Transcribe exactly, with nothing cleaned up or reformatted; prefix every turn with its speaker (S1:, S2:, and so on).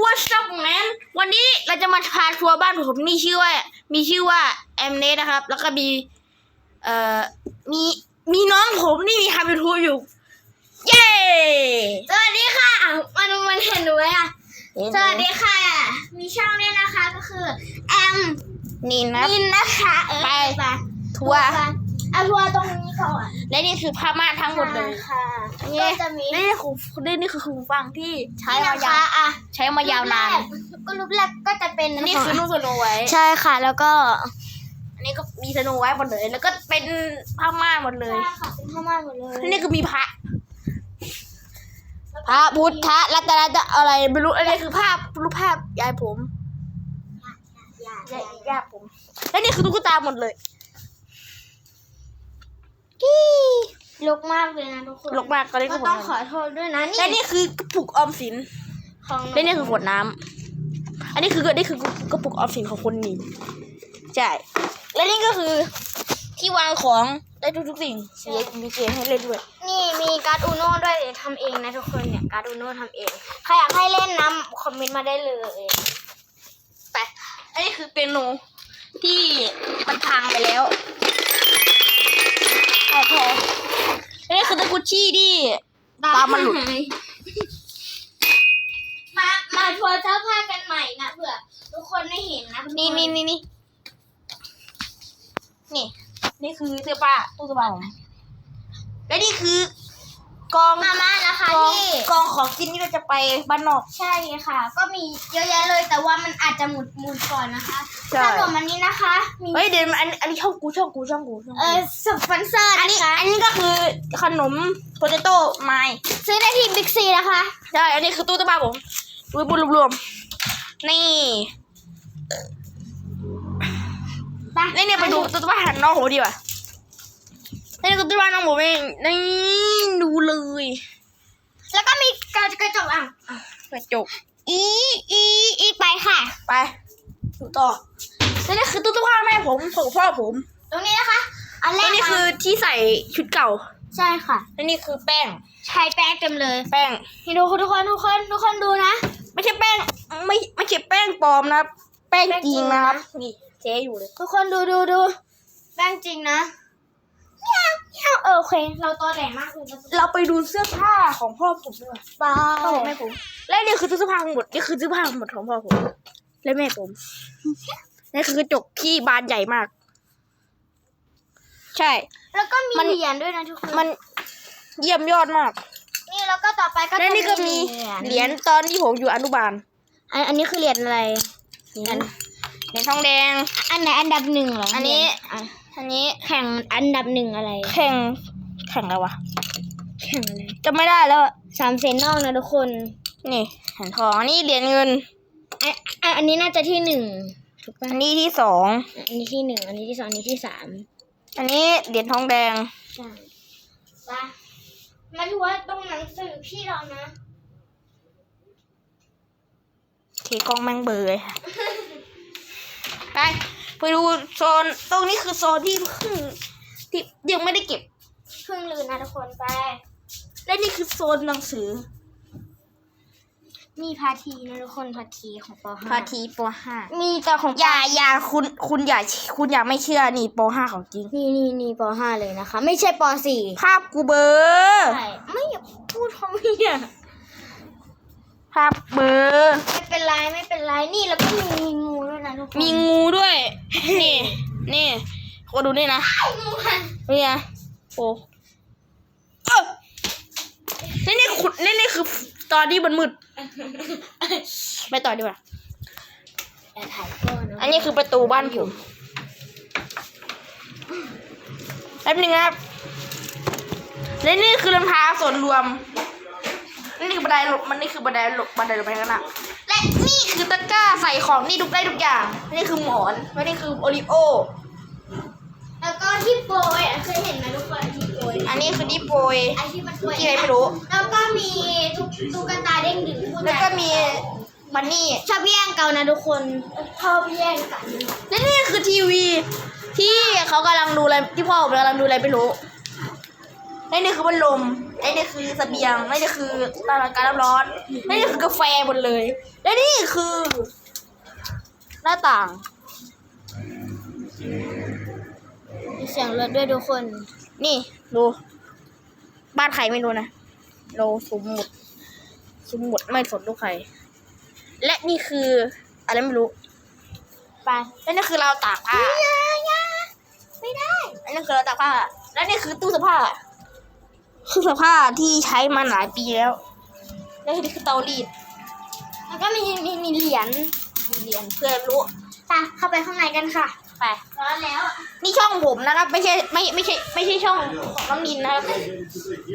S1: What's up man วันนี้เราจะมาพาทัวร์บ้านผมมีชื่อว่ามีชื่อว่าแอมเนสนะครับแล้วก็มีเอ่อมีมีน้องผมนี่มีทำยูทูบอยู่เย้สวัสดีค่ะมันมันเห็นหนูไหมอ่ะสวัสดีค่ะมีช่องด้วยนะคะก็คือแอมนินนะนินนะคะเออไปไปทัวร์เอาทัวร์ตรงนี้ก่อนและนี่คือผ้าม่านทั้งหมดเลยค่ะก็จะมีนี่คือนี่นี่คือหูฟังที่ใช้มายาวอ่ะใช้มายาวนานก็รูปแรกก็จะเป็นนี่คือรูปสโนไวท์ใช่ค่ะแล้วก็อันนี้ก็มีสโนไวท์หมดเลยแล้วก็เป็นผ้าม่านหมดเลยใช่ค่ะเป็นผ้าม่านหมดเลยนี่คือมีพระพระพุทธรัตนจะอะไรไม่รู้อันนี้คือภาพรูปภาพยายผมยายยายผมและนี่คือตุ๊กตาหมดเลยลกมากเลยนะทุกคนลกมากก็ต้องขอโทษด้วยนะนี่และนี่คือกระปุกออมสินของและนี่คือขวดน้ำอันนี้คือนี่คือกระปุกออมสินของคนนี้ใช่และนี่ก็คือที่วางของได้ทุกๆสิ่งเสียมีเกมให้เล่นด้วยนี่มีการ์ดอูโน่ด้วยทำเองนะทุกคนเนี่ยการ์ดอูโน่ทำเองใครอยากให้เล่นน้ำคอมเมนต์มาได้เลยแต่อันนี้คือเปียโนที่มันพังไปแล้วพอนี่คือตะกุชี่ที่ตามันหลุดมามาทัวร์เสื้อผ้ากันใหม่นะเผื่อทุกคนได้เห็นนะนี่นี่นี่นี่นี่นี่คือเสื้อผ้าตู้เสื้อผ้าผมและนี่คือกองมาม่านะคะที่กองของกินนี่เราจะไปบ้านนอกใช่ค่ะก็มีเยอะแยะเลยแต่ว่ามันอาจจะหมุดหมุดก่อนนะคะขนมอันนี้นะคะเฮ้ยเดี๋ยวอันอันนี้ช่องกูช่องกูช่องกูเออสปอนเซอร์อันนี้อันนี้ก็คือขนมโพเตโต้ไม้ซื้อได้ที่บิ๊กซีนะคะใช่อันนี้คือตู้ตู้บ้านผมรวมรวมนี่นี่เนี่ยไปดูตู้ตู้บ้านน้องผมดีกว่านี่คือตู้บ้านน้องผมเองนี่ดูเลยแล้วก็มีกระจกอ่ะกระจกอีอีอีไปค่ะไปดูต่อแล้วนี่คือตู้ตู้ผ้าแม่ผมของพ่อผมตรงนี้นะคะอันแรกนี่คือที่ใส่ชุดเก่าใช่ค่ะแล้วนี่คือแป้งใช้แป้งเต็มเลยแป้งให้ดูทุกคนทุกคนทุกคนดูนะไม่ใช่แป้งไม่ไม่ใช่แป้งปลอมนะแป้งจริงนะครับนี่เจ๊อยู่เลยทุกคนดูดูดูแป้งจริงนะเออโอเคเราตัวแหลมมากเลยเราไปดูเสื้อผ้าของพ่อผมด้วยป้าพ่อแม่ผมและนี่คือเสื้อผ้าทั้งหมดนี่คือเสื้อผ้าทั้งหมดของพ่อผมและแม่ผมนี่คือกระจกที่บานใหญ่มากใช่แล้วก็มีเหรียญด้วยนะทุกคนมันเยี่ยมยอดมากนี่แล้วก็ต่อไปก็และนี่ก็มีเหรียญตอนที่ผมอยู่อนุบาลอันอันนี้คือเหรียญอะไรเหรียญเหรียญทองแดงอันไหนอันดับหนึ่งเหรออันนี้อันนี้แข่งอันดับหนึ่งอะไรแข่งแข่งอะไรวะแข่งอะไรจำไม่ได้แล้วสามเซนนอกนะทุกคนนี่เหรียญทองอันนี้เหรียญเงินอันอันนี้น่าจะที่หนึ่งถูกป่ะอันนี้ที่สองอันนี้ที่หนึ่งอันนี้ที่สองอันนี้ที่สามอันนี้เหรียญทองแดงใช่ป่ะมาดูว่าตรงหนังสือพี่เรานะทีกล้องแม่งเบอร์เลยค่ะไปไปดูโซนตรงนี้คือโซนที่เพิ่งที่ยังไม่ได้เก็บเพิ่งลืมนะทุกคนไปและนี่คือโซนหนังสือมีพาทีนะทุกคนพาทีของป.ห้า พาทีป.ห้ามีแต่ของอย่าอย่าคุณคุณอย่าคุณอย่าไม่เชื่อนี่ป.ห้าของจริงนี่นี่นี่ป.ห้าเลยนะคะไม่ใช่ป.สี่ภาพกูเบอร์ใช่ไม่อยากพูดทำไมอ่ะภาพเบอร์ไม่เป็นไรไม่เป็นไรนี่แล้วก็มีงูด้วยนะทุกคนมีงูด้วยนี่นี่ก็ดูนี่นะงูมันนี่ไงโอ้เออนี่นี่ขุดนี่นี่คือตอนที่มันมืดไปต่อดีกว่าอันนี้คือประตูบ้านผมแป๊บนึงครับและนี่คือรองเท้าส่วนรวมนี่คือบันไดหลบมันนี่คือบันไดหลบบันไดหลบไปข้างหน้าและนี่คือตะกร้าใส่ของนี่ทุกได้ทุกอย่างนี่คือหมอนและนี่คือโอริโอแล้วก็ที่โปรยเคยเห็นไหมทุกคนที่โปรยอันนี้คือที่โปรยไอที่มันโปรยที่อะไรไม่รู้แล้วก็มีตุ๊กตาเด้งดึงแล้วก็มีบันนี่ชอบแย่งกันนะทุกคนชอบแย่งกันและนี่คือทีวีที่เขากำลังดูอะไรที่พ่อผมกำลังดูอะไรไม่รู้และนี่คือพัดลมและนี่คือเสบียงและนี่คือตาการน้ำร้อนและนี่คือกาแฟหมดเลยและนี่คือ หน้าต่าง
S2: มีเสียงรถด้วยทุกคน
S1: นี่ดูบ้านใครไม่รู้นะเราสุ่มหมดสุ่มหมดไม่สนลูกใครและนี่คืออะไรไม่รู้ไปและนี่คือเราตากผ้าไม่ได้และนี่คือเราตากผ้าและนี่คือตู้เสื้อผ้าคือเสื้อผ้าที่ใช้มาหลายปีแล้วและนี่คือเตารีด
S2: แล้วก็มีมีมีเหรียญ
S1: มีเหรียญเพื่อรู้
S2: ไปเข้าไปข้างในกันค่ะ
S1: ไป
S2: ร้อนแล้ว
S1: นี่ช่องผมนะครับ ไม่ใช่ไม่ไม่ใช่ไม่ใช่ช่องของน้องนินนะครับ